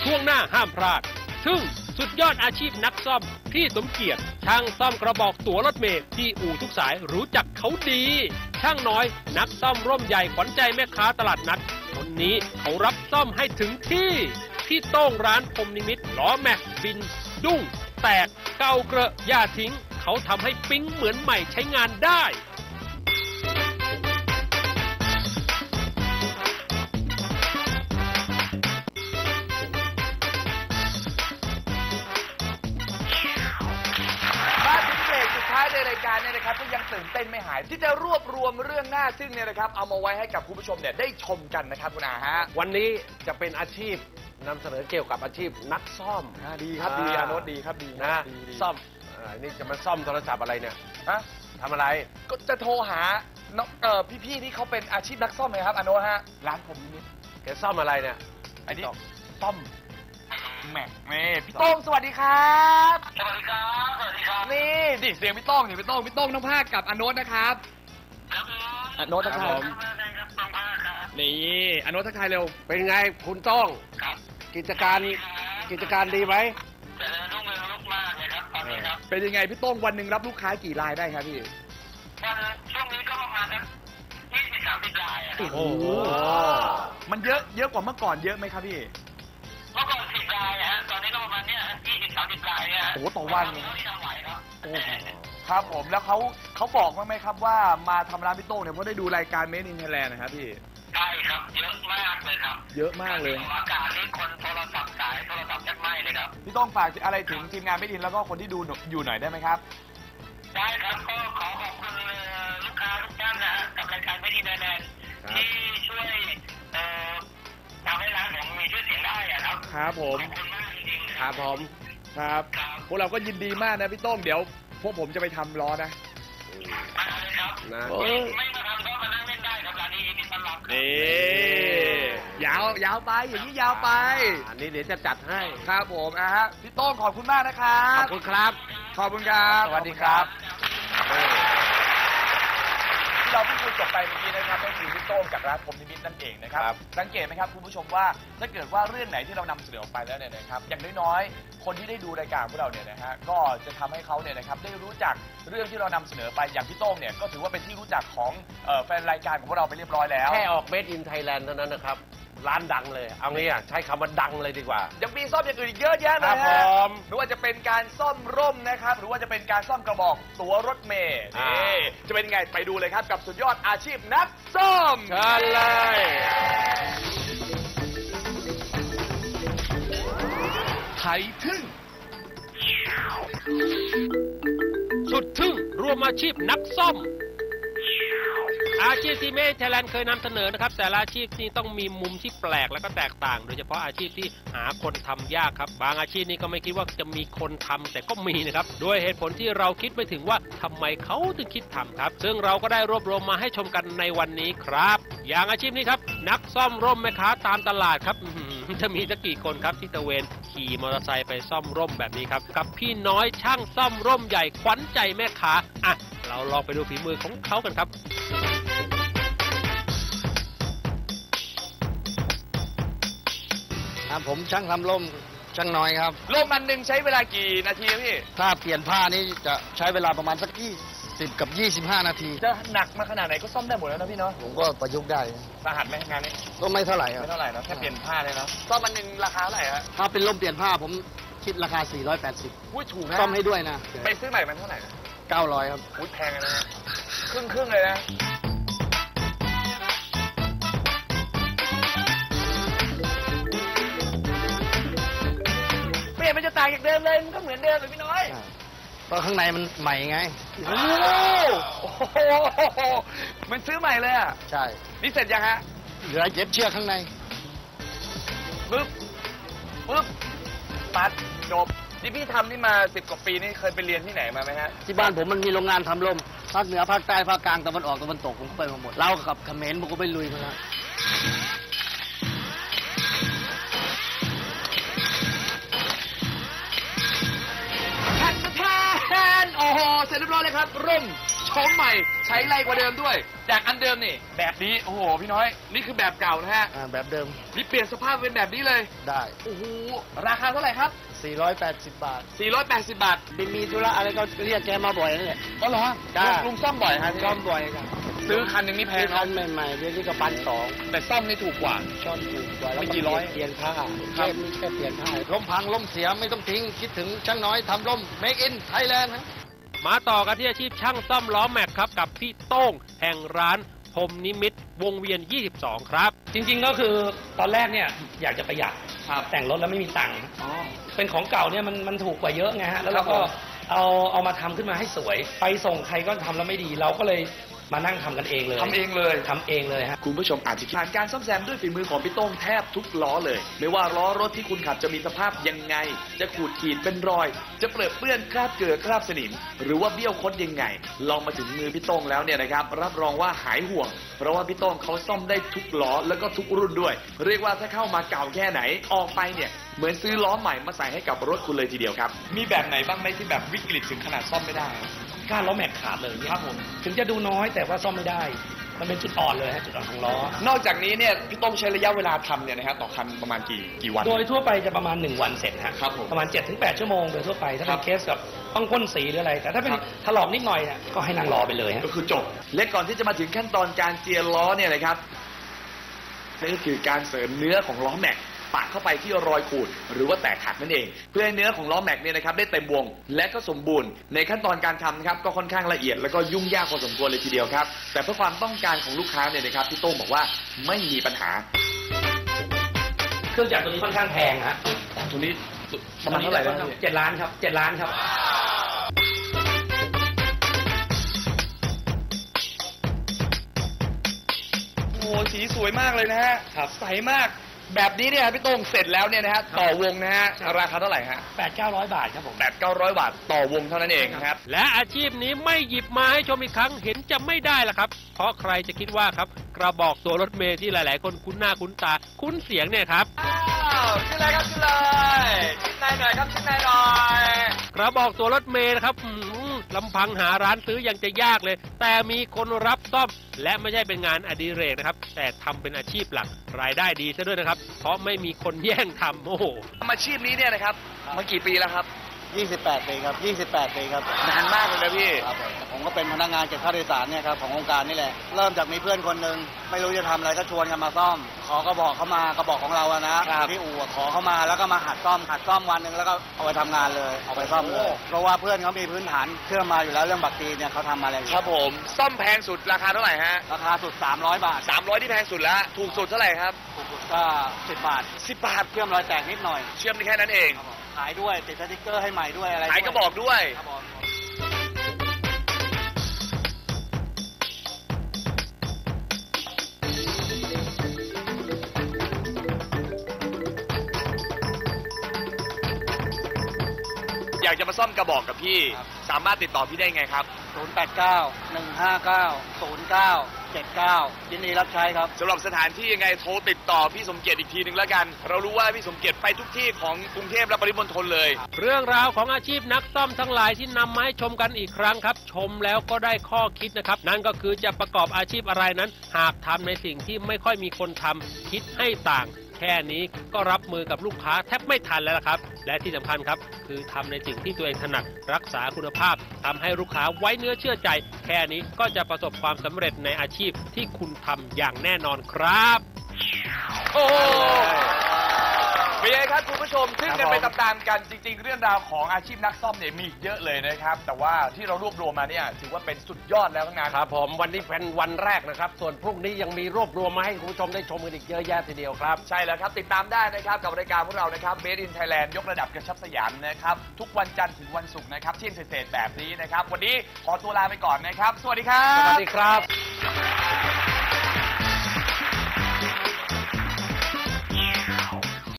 ช่วงหน้าห้ามพลาดซึ่งสุดยอดอาชีพนักซ่อมพี่สมเกียรติช่างซ่อมกระบอกตั๋วรถเมล์ที่อู่ทุกสายรู้จักเขาดีช่างน้อยนักซ่อมร่มใหญ่ขวัญใจแม่ค้าตลาดนัดคนนี้เขารับซ่อมให้ถึงที่พี่โต้งร้านพรมนิมิตล้อแม็กบินดุ้งแตกเกาเกระย่าทิ้งเขาทำให้ปิ๊งเหมือนใหม่ใช้งานได้ในรายการเนี่ยนะครับก็ยังตื่นเต้นไม่หายที่จะรวบรวมเรื่องน่าทึ่งเนี่ยนะครับเอามาไว้ให้กับคุณผู้ชมเนี่ยได้ชมกันนะครับคุณอาฮะวันนี้จะเป็นอาชีพนำเสนอเกี่ยวกับอาชีพนักซ่อมดีครับดีอาโนตดีครับดีนะซ่อมนี่จะมาซ่อมโทรศัพท์อะไรเนี่ยฮะทำอะไรก็จะโทรหาพี่ๆที่เขาเป็นอาชีพนักซ่อมเลยครับอาโนตฮะร้านผมนี่แกซ่อมอะไรเนี่ยอันนี้ซ่อมแม็กพี่โต้งสวัสดีครับสวัสดีครับสวัสดีครับนี่ดิเสียงพี่โต้งพี่โต้งน้องภาคกับอาโนตนะครับอาโนตทักทายนี่อาโนตทักทายเร็วเป็นไงคุณโต้งกิจการดีไหมรุ่งเรืองมากเลยครับตอนนี้ครับเป็นยังไงพี่โต้งวันหนึ่งรับลูกค้ากี่รายได้ครับพี่ช่วงนี้ก็ประมาณ20-30 รายโอ้โหมันเยอะกว่าเมื่อก่อนเยอะไหมครับพี่เมื่อก่อน10 รายฮะตอนนี้ก็ประมาณเนี้ย20-30 รายเนี่ยโอ้ต่อวันครับผมแล้วเขาบอกไหมครับว่ามาทำร้านพี่โต้งเนี่ยเพราะได้ดูรายการ Made in Thailand นะครับพี่ใช่ครับเยอะมากเลยครับเยอะมากเลยอากาศนี่คนโทรศัพท์สายโทรศัพท์จะไหม้เลยครับพี่โต้งฝากอะไรถึงทีมงาน Made in แล้วก็คนที่ดูอยู่หน่อยได้ไหมครับได้ครับก็ขอขอบคุณลูกค้าทุกท่านนะฮะกับรายการ Made in Thailand ที่ช่วยทำให้ร้านผมมีชื่อเสียงได้ครับครับผมขอบคุณมากจริงๆครับผมครับพวกเราก็ยินดีมากนะพี่โต้งเดี๋ยวพวกผมจะไปทำล้อนะมาเลยครับไม่มาทำก็มานั่งเล่นได้ครับร้านนี้ยินดีต้อนรับนี่ยาวไปอย่างนี้ยาวไปอันนี้เดี๋ยวจะจัดให้ครับผมฮะพี่โต้งขอบคุณมากนะครับขอบคุณครับขอบคุณครับสวัสดีครับเราเพิ่งคุยจบไปเมื่อกี้นะครับก็คือพี่โต้งจากร้านพรมนิมิตนั่นเองนะครับสังเกตไหมครับคุณผู้ชมว่าถ้าเกิดว่าเรื่องไหนที่เรานำเสนอออกไปแล้วเนี่ยนะครับอย่างน้อยๆคนที่ได้ดูรายการพวกเราเนี่ยนะฮะก็จะทำให้เขาเนี่ยนะครับได้รู้จักเรื่องที่เรานำเสนอไปอย่างพี่โต้งเนี่ยก็ถือว่าเป็นที่รู้จักของแฟนรายการของพวกเราไปเรียบร้อยแล้วแค่ออก Made in Thailand เท่านั้นนะครับร้านดังเลยเอางี้ใช้คำว่าดังเลยดีกว่ายังมีซ่อมอย่างอื่นอีกเยอะแยะเลยฮะไม่ว่าจะเป็นการซ่อมร่มนะครับหรือว่าจะเป็นการซ่อมกระบอกตั๋วรถเมล์จะเป็นไงไปดูเลยครับกับสุดยอดอาชีพนักซ่อมเชิญเลยไทยทึ่งสุดทึ่งรวมอาชีพนักซ่อมอาชีพที่Made in Thailandเคยนำเสนอนะครับแต่ละอาชีพนี้ต้องมีมุมที่แปลกและก็แตกต่างโดยเฉพาะอาชีพที่หาคนทำยากครับบางอาชีพนี้ก็ไม่คิดว่าจะมีคนทำแต่ก็มีนะครับด้วยเหตุผลที่เราคิดไม่ถึงว่าทำไมเขาถึงคิดทำครับซึ่งเราก็ได้รวบรวมมาให้ชมกันในวันนี้ครับอย่างอาชีพนี้ครับนักซ่อมร่มแม่ค้าตามตลาดครับจะมีสักกี่คนครับที่ตะเวนขี่มอเตอร์ไซค์ไปซ่อมร่มแบบนี้ครับกับพี่น้อยช่างซ่อมร่มใหญ่ขวัญใจแม่ค้าอ่ะเราลองไปดูฝีมือของเขากันครับผมช่างทำร่มช่างน้อยครับร่มอันหนึ่งใช้เวลากี่นาทีพี่ถ้าเปลี่ยนผ้านี่จะใช้เวลาประมาณสัก20 กับ 25 นาทีจะหนักมาขนาดไหนก็ซ่อมได้หมดแล้วนะพี่เนาะผมก็ประยุกต์ได้สาหัสไหมงานนี้ก็ไม่เท่าไหร่ครับไม่เท่าไหร่นะแค่เปลี่ยนผ้าเลยเนาะซ่อมอันหนึ่งราคาเท่าไหร่ฮะถ้าเป็นร่มเปลี่ยนผ้าผมคิดราคา480 อุ้ยถูกนะซ่อมให้ด้วยนะไปซื้อใหม่มันเท่าไหร่ 900ครับอุ้ยแพงนะครึ่งเลยนะมันจะต่างจากเดิมเลยมันก็เหมือนเดิมเลยพี่น้อยเพราะข้างในมันใหม่ไงโอ้โหมันซื้อใหม่เลยอ่ะใช่นี่เสร็จยังฮะเหลือเย็บเชือกข้างในปึ๊บปัดจบที่พี่ทำนี่มา10 กว่าปีนี่เคยไปเรียนที่ไหนมาไหมฮะที่บ้านผมมันมีโรงงานทำร่มภาคเหนือภาคใต้ภาคกลางตะวันออกตะวันตกผมไปมาหมดเรากับเขมรผมก็ไปลุยมาแล้วโอ้โหเสร็จเรียบร้อยเลยครับร่มโฉมใหม่ใช้ไรกว่าเดิมด้วยจากอันเดิมนี่แบบนี้โอ้โหพี่น้อยนี่คือแบบเก่านะฮะแบบเดิมนี่เปลี่ยนสภาพเป็นแบบนี้เลยได้โอ้โหราคาเท่าไหร่ครับ 480 บาท 480 บาทมีธุระอะไรก็เรียกแกมาบ่อยนั่นแหละอ๋อเหรอจ้าลุงซ่อมบ่อยฮะซ่อมบ่อยครับซื้อคันหนึ่งนี่แพซื้งอคันใหม่ๆเดี๋ยวนี้ก็1,200 แต่ซ่อมนี่ถูกกว่าช่อนถูกกว่าแล้วไม่กี่ร้อยเปลี่ยนผ้าครัแค่บนี้แค่เปลี่ยนผ้าล่มพังล่มเสียไม่ต้องทิ้งคิดถึงช่างน้อยทำล่ม Make in Thailand นะมาต่อกันที่อาชีพช่างซ่อมล้อแม็กครับกับพี่โต้งแห่งร้านพรหมนิมิตรวงเวียน 22 ครับจริงๆก็คือตอนแรกเนี่ยอยากจะประหยัดครับแต่งรถแล้วไม่มีตังค์อ๋อเป็นของเก่าเนี่ยมันถูกกว่าเยอะไงฮะแล้วเราก็ครับผมเอามาทำขึ้นมาให้สวย ไปส่งใครก็ทำแล้วไม่ดี เราก็เลยมานั่งทำกันเองเลยทำเองเลยทำเองเลยฮะคุณผู้ชมอาจจะผ่านการซ่อมแซมด้วยฝีมือของพี่โต้งแทบทุกล้อเลย ไม่ว่าล้อรถที่คุณขับจะมีสภาพยังไง จะขูดขีดเป็นรอย จะเปรอะเปื้อนคราบเกลือคราบสนิม หรือว่าเบี้ยวคดยังไง ลองมาถึงมือพี่โต้งแล้วเนี่ยนะครับ รับรองว่าหายห่วง เพราะว่าพี่โต้งเขาซ่อมได้ทุกล้อแล้วก็ทุกรุ่นด้วย เรียกว่าถ้าเข้ามาเก่าแค่ไหนออกไปเนี่ยเหมือนซื้อล้อใหม่มาใส่ให้กับรถคุณเลยทีเดียวครับมีแบบไหนบ้างไหมที่แบบวิกฤตถึงขนาดซ่อมไม่ได้ก้านล้อแม็กขาดเลยเนี่ยครับผมถึงจะดูน้อยแต่ว่าซ่อมไม่ได้ มันเป็นจุดอ่อนเลยฮะจุดอ่อนของล้อนอกจากนี้เนี่ยพี่โต้งใช้ระยะเวลาทำเนี่ยนะครับต่อคันประมาณกี่วันโดยทั่วไปจะประมาณ1 วันเสร็จฮะครับผมประมาณ 7-8 ชั่วโมงโดยทั่วไปถ้าครัเป็นบเคสกับต้องพ่นสีหรืออะไร แต่ถ้าเป็นครับถลอกนิดหน่อยเนี่ยก็ให้นั่งรอไปเลยฮะก็คือจบ และก่อนที่จะมาถึงขั้นตอนการเจียล้อเนี่ยนะครับนั่นก็คือการเสริมเนื้อของล้อแม็กปะเข้าไปที่รอยขูดหรือว่าแตกหักนั่นเอง เพื่อให้เนื้อของล้อแม็กเนี่ยนะครับได้เต็มวง และก็สมบูรณ์ในขั้นตอนการทำนะครับก็ค่อนข้างละเอียดแล้วก็ยุ่งยากพอสมควรเลยทีเดียวครับแต่เพื่อความต้องการของลูกค้าเนี่ยนะครับพี่โต้งบอกว่าไม่มีปัญหาเครื่องจักรตัวนี้ค่อนข้างแพงฮะตัวนี้ประมาณเท่าไหร่นะ 7 ล้านครับ7 ล้านครับโอ้โหสีสวยมากเลยนะฮะใสมากแบบนี้เนี่ยพี่โต้งเสร็จแล้วเนี่ยนะฮะต่อวงนะฮะราคาเท่าไหร่ฮะ 800-900 บาทครับผม 800-900 บาทต่อวงเท่านั้นเองนะครับและอาชีพนี้ไม่หยิบมาให้ชมอีกครั้งเห็นจะไม่ได้ละครับ เพราะใครจะคิดว่าครับกระบอกตัวรถเมล์ที่หลาย ๆ คนคุ้นหน้าคุ้นตาคุ้นเสียงเนี่ยครับขึ้นเลยครับขึ้นเลยชิ้นในหน่อยครับชิ้นในหน่อยกระบอกตัวรถเมล์นะครับลำพังหาร้านซื้อยังจะยากเลย แต่มีคนรับซ่อมและไม่ใช่เป็นงานอดิเรกนะครับแต่ทำเป็นอาชีพหลักรายได้ดีซะด้วยนะครับเพราะไม่มีคนแย่งทำโอ้โหทำอาชีพนี้เนี่ยนะครับมากี่ปีแล้วครับ 28 ปีครับ28 ปีครับนานมากเลยนะพี่ครับผมก็เป็นพนักงานเก็บค่าโดยสารเนี่ยครับขององค์การนี่แหละ เริ่มจากมีเพื่อนคนหนึ่งไม่รู้จะทำอะไรก็ชวนกันมาซ่อม ขอกระบอกเข้ามากระบอกของเราอะนะครับ ที่อู่อะขอเข้ามาแล้วก็มาหัดซ่อมวันหนึ่งแล้วก็เอาไปทำงานเลยเอาไปซ่อมเลยเพราะว่าเพื่อนเขามีพื้นฐานเครื่องมาอยู่แล้วเรื่องบักตีเนี่ยเขาทำมาอะไรอยู่ครับผมซ่อมแพงสุดราคาเท่าไหร่ฮะราคาสุด300 บาท 300ที่แพงสุดแล้วถูกสุดเท่าไหร่ครับถูกสุดก็10 บาท 10 บาทเครื่องรอยแตกนิดหน่อยเชื่อมได้แค่นั้นเองครับผมขายด้วยติดสติ๊กเกอร์ให้ใหม่ด้วยอะไรขายกระบอกด้วยครับผมอยากจะมาซ่อมกระบอกกับพี่ สามารถติดต่อพี่ได้ไงครับ 089-159-0979ยินดีรับใช้ครับสำหรับสถานที่ยังไงโทรติดต่อพี่สมเกียรติอีกทีหนึ่งแล้วกัน เรารู้ว่าพี่สมเกียรติไปทุกที่ของกรุงเทพและปริมณฑลเลยเรื่องราวของอาชีพนักซ่อมทั้งหลายที่นำมาให้ชมกันอีกครั้งครับ ชมแล้วก็ได้ข้อคิดนะครับ นั่นก็คือจะประกอบอาชีพอะไรนั้น หากทำในสิ่งที่ไม่ค่อยมีคนทำคิดให้ต่าง แค่นี้ก็รับมือกับลูกค้าแทบไม่ทันแล้วล่ะครับ และที่สำคัญครับคือทำในสิ่งที่ตัวเองถนัดรักษาคุณภาพทำให้ลูกค้าไว้เนื้อเชื่อใจ แค่นี้ก็จะประสบความสำเร็จในอาชีพที่คุณทำอย่างแน่นอนครับโอ้เป็นไงครับคุณผู้ชมซึ่งกันไปตามๆกันจริง ๆ เรื่องราวของอาชีพนักซ่อมเนี่ยมีอีกเยอะเลยนะครับ แต่ว่าที่เรารวบรวมมาเนี่ยถือว่าเป็นสุดยอดแล้วทั้งนั้นครับผมวันนี้เป็นวันแรกนะครับ ส่วนพรุ่งนี้ยังมีรวบรวมมาให้คุณผู้ชมได้ชมกันอีกเยอะแยะทีเดียวครับใช่แล้วครับติดตามได้นะครับกับรายการพวกเรานะครับ Made in Thailand ยกระดับกระชับสยามนะครับทุกวันจันทร์ถึงวันศุกร์นะครับเที่ยงเศษๆแบบนี้นะครับวันนี้ขอตัวลาไปก่อนนะครับสวัสดีครับสวัสดีครับ